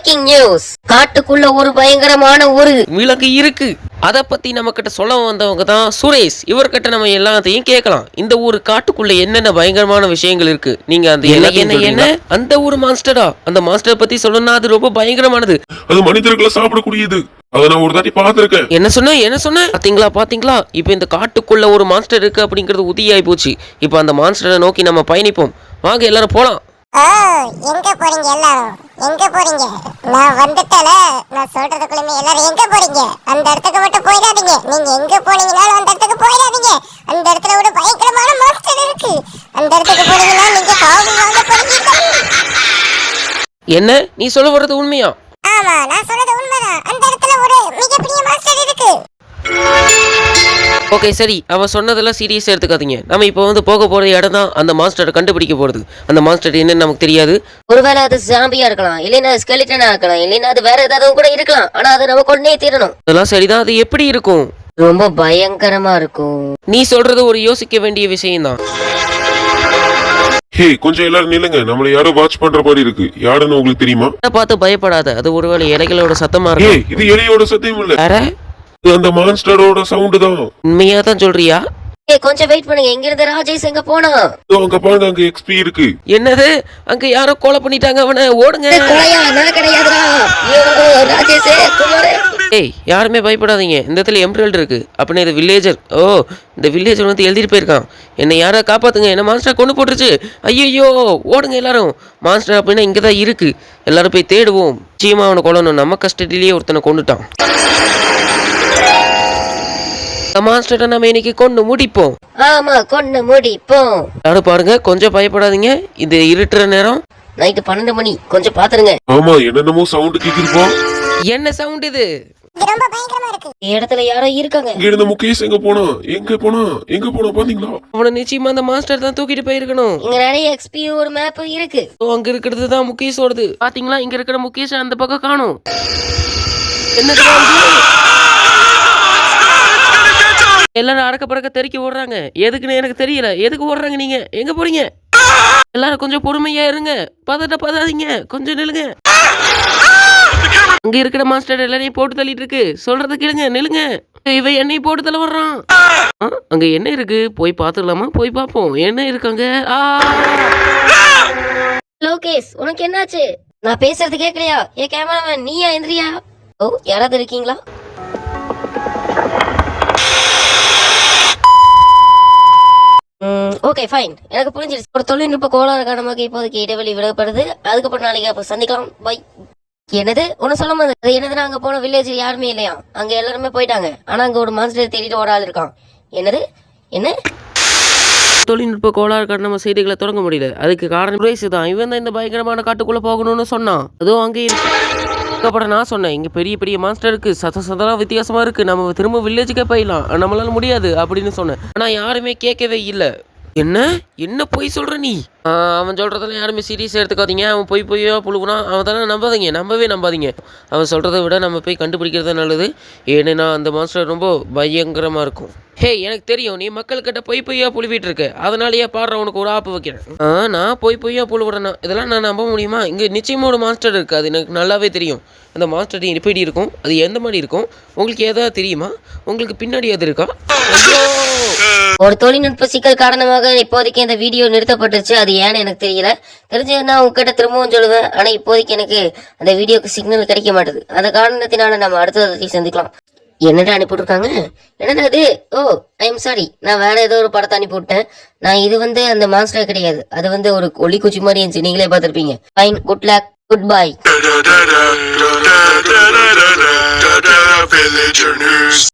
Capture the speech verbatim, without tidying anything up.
Breaking news. காட்டுக்குள்ள ஒரு பயங்கரமான ஒரு விலங்கு இருக்கு. அத பத்தி நம்ம கிட்ட சொல்ல வந்தவங்க தான் சுரேஷ். இவர்கிட்ட நம்ம எல்லாத்தையும் கேட்கலாம். இந்த ஒரு காட்டுக்குள்ள என்னென்ன பயங்கரமான விஷயங்கள் இருக்கு, நீங்க அந்த என்ன என்ன அந்த ஒரு மான்ஸ்டரா, அந்த மான்ஸ்டர் பத்தி சொல்லணும்னா அது ரொம்ப பயங்கரமானது. அது மனிதர்களை சாப்பிடக்கூடியது. அத நான் ஒரு தாட்டி பாத்திருக்கேன். என்ன சொன்ன என்ன சொன்ன பாத்தீங்களா பாத்தீங்களா இப்ப இந்த காட்டுக்குள்ள ஒரு மான்ஸ்டர் இருக்கு அப்படிங்கிறது உறுதியாகி போச்சு. இப்ப அந்த மான்ஸ்டரை நோக்கி நம்ம பயணிப்போம். வாங்க எல்லாரும் போலாம். ஓ, எங்க போறீங்க எல்லாரும்? எங்க போறீங்க? நான் வந்துட்டல. நான் சொல்றதுக்குள்ளே எல்லாரும் எங்க போறீங்க? அந்த இடத்துக்கு மட்டும் போயிடாதீங்க. நீங்க எங்க போனீங்கனாலும் அந்த இடத்துக்கு போயிடாதீங்க. அந்த இடத்துல ஒரு பயங்கரமான மான்ஸ்டர் இருக்கு. அந்த இடத்துக்கு போனீங்கன்னா நீங்க காவு வாங்க போறீங்க. என்ன நீ சொல்ல வர்றது உண்மையா? ஆமா, நான் சொல்றது உண்மைதான். அந்த இடத்துல ஒரு மிகப்பெரிய மான்ஸ்டர் இருக்கு. ஓகே சரி, அவன் சொன்னதெல்லாம் சீரியஸாக எடுத்துக்காதீங்க. நம்ம இப்போ வந்து போக போகிற இடம் தான் அந்த மாஸ்டரை கண்டுபிடிக்க போகிறது. அந்த மாஸ்டர் என்னன்னு நமக்கு தெரியாது. ஒருவேளை அது ஜாம்பியா இருக்கலாம், இல்லைன்னா ஸ்கெலிட்டனா இருக்கலாம், இல்லைன்னா அது வேற ஏதாவது கூட இருக்கலாம். ஆனா அதை நம்ம கொண்டே தீரணும். அதெல்லாம் சரிதான். அது எப்படி இருக்கும்? ரொம்ப பயங்கரமா இருக்கும். நீ சொல்றது ஒரு யோசிக்க வேண்டிய விஷயம் தான். ஹே, கொஞ்சம் எல்லாரும் நில்லுங்க. நம்மள யாரோ வாட்ச் பண்ற மாதிரி இருக்கு. யாருன்னு உங்களுக்கு தெரியுமா? பார்த்து பயப்படாத. அது ஒருவேளை இலைகளோட சத்தமா இருக்கு. இது எலியோட சத்தம் இல்ல, வேற அந்த மான்ஸ்டரோட சவுண்ட் தான். உண்மையா தான் சொல்றியா? ஏய், கொஞ்சம் வெயிட் பண்ணுங்க. எங்க இருந்து ராஜேஷ் எங்க போனா? அங்க பாருங்க, அங்க எக்ஸ்பி இருக்கு. என்னது? அங்க யாரோ கொலை பண்ணிட்டாங்க அவனை. ஓடுங்க. கொலையா? நான் கிடையாதுடா. ராஜேஷ் குமார். ஏய், யாருமே பயப்படாதீங்க. இந்த இடத்துல எம்ப்ராய்டரி இருக்கு. அப்படின்னா இது வில்லேஜர். ஓ, இந்த வில்லேஜர் வந்து எழுதிட்டு போயிருக்கான். என்னை யாரா காப்பாத்துங்க, என்ன மான்ஸ்டர் கொண்டு போட்டுருச்சு. ஐயோ, ஓடுங்க எல்லாரும். மான்ஸ்டர் அப்படின்னா இங்க தான் இருக்கு. எல்லாரும் போய் தேடுவோம். நிச்சயமா அவனை கொல்லணும். நம்ம கஸ்டடியிலேயே ஒருத்தனை கொண்டுட்டான். மான்ஸ்டரை நம்ம இன்னைக்கு கொண்டு முடிப்போம். ஆமா, கொண்டு முடிப்போம். யாரும் பாருங்க, கொஞ்சம் பயப்படாதீங்க. இது இருட்டுற நேரம், நைட்டு பன்னெண்டு மணி. கொஞ்சம் பாத்துருங்க. ஆமா, என்னென்னமோ சவுண்ட் கேக்குதுப்பா. என்ன சவுண்ட் இது? இது ரொம்ப பயங்கரமா இருக்கு. இடத்துல யாரோ இருக்காங்க. இங்க இருந்த முகேஷ் எங்க போனா? எங்க போனா? எங்க போனா பாத்தீங்களா? அவனை நிச்சயமா அந்த மாஸ்டர் தான் தூக்கிட்டு போயிருக்கணும். இங்க நிறைய எக்ஸ்பி ஒரு மேப் இருக்கு. அங்க இருக்கிறது தான் முகேஷோடது. பாத்தீங்களா, இங்க இருக்கிற முகேஷ் அந்த பக்கம் காணும். என்னது? எல்லாரும் அடக்க பறக்க தெறிக்க ஓடுறாங்க. எதுக்குன்னு எனக்கு தெரியல. எதுக்கு ஓடுறாங்க? நீங்க எங்க போறீங்க? எல்லாரும் கொஞ்சம் பொறுமையா இருங்க. பதட்ட பதாதீங்க. கொஞ்சம் நில்லுங்க. அங்க இருக்கிற மாஸ்டர் எல்லாரையும் போட்டு தள்ளிட்டு இருக்கு. சொல்றது கேளுங்க. நில்லுங்க. இவ என்னையும் போட்டு தள்ள வர்றான். அங்க என்ன இருக்கு? போய் பாத்துடலாமா? போய் பாப்போம். என்ன இருக்காங்க? லோகேஷ், உனக்கு என்னாச்சு? நான் பேசுறது கேட்கலையா? ஏ கேமராமேன், நீயா எந்திரியா? ஓ, யாராவது இருக்கீங்களா? ஓகே ஃபைன், எனக்கு புரிஞ்சிருச்சு. ஒரு தொழில்நுட்ப கோளாறு காரணமாக இப்போதைக்கு இடைவெளி விடப்படுது. அதுக்கப்புறம் நாளைக்கு அப்போ சந்திக்கலாம். பை. என்னது ஒன்னு சொல்ல மாதிரி? அது என்னதுன்னா, அங்க போன வில்லேஜ் யாருமே இல்லையா? அங்க எல்லாருமே போயிட்டாங்க. ஆனா அங்க ஒரு மான்ஸ்டர் தேடிட்டு ஒரு ஆள் இருக்கான். என்னது? என்ன தொழில்நுட்ப கோளாறு காரணமா செய்திகளை தொடங்க முடியல. அதுக்கு காரணம் சுரேஷ் தான். இவன் தான் இந்த பயங்கரமான காட்டுக்குள்ள போகணும்னு சொன்னான். அதுவும் அங்கே இருக்கு. அதுக்கப்புறம் நான் சொன்னேன், இங்க பெரிய பெரிய மான்ஸ்டர் இருக்கு, சத சதெல்லாம் வித்தியாசமா இருக்கு, நம்ம திரும்ப வில்லேஜுக்கே போயிடலாம், நம்மளால முடியாது அப்படின்னு சொன்னேன். ஆனா யாருமே கேட்கவே இல்லை. என்ன என்ன பொய் சொல்ற நீ? அவன் சொல்றதெல்லாம் யாருமே சீரியஸா எடுத்துக்காதீங்க. அவன் பொய் பொய்யா புழுகுனா அவன் தானே. நம்பாதீங்க, நம்பவே நம்பாதீங்க. அவன் சொல்றதை விட நம்ம போய் கண்டுபிடிக்கிறது நல்லது. ஏன்னா அந்த மாஸ்டர் ரொம்ப பயங்கரமா இருக்கும். ஹே, எனக்கு தெரியும் நீ மக்கள்கிட்ட பொய் பொய்யா புழுவிட்டு இருக்க. அதனாலயே பாடுற உனக்கு ஒரு ஆப்பு வைக்கிறேன். ஆ, நான் பொய் பொய்யா புழுவுறேன்னா இதெல்லாம் நான் நம்ப முடியுமா? இங்க நிச்சயமா ஒரு மாஸ்டர் இருக்கு. அது எனக்கு நல்லாவே தெரியும். அந்த மாஸ்டர் எப்படி இருக்கும், அது எந்த மாதிரி இருக்கும், உங்களுக்கு ஏதாவது தெரியுமா? உங்களுக்கு பின்னாடி அது இருக்கா? ஒரு தொழில்நுட்ப சிக்கல் காரணமாக இப்போதைக்கு இந்த வீடியோ நிறுத்தப்பட்டுருச்சு. அது ஏன்னு எனக்கு தெரியல. தெரிஞ்சதுன்னா உங்ககிட்ட திரும்பவும் சொல்லுவேன். ஆனா இப்போதைக்கு எனக்கு அந்த வீடியோக்கு சிக்னல் கிடைக்க மாட்டேது. அந்த காரணத்தினால நம்ம அடுத்ததை சந்திக்கலாம். என்னடா அனுப்பிவிட்டுருக்காங்க? என்னடா அது? ஓ, ஐ எம் சாரி, நான் வேற ஏதோ ஒரு படத்தை அனுப்பிவிட்டேன். நான் இது வந்து அந்த மாஸ்டர் கிடையாது. அது வந்து ஒரு ஒளி குச்சி மாதிரி இருந்துச்சு. நீங்களே பார்த்துருப்பீங்க. Fine, good luck, good by.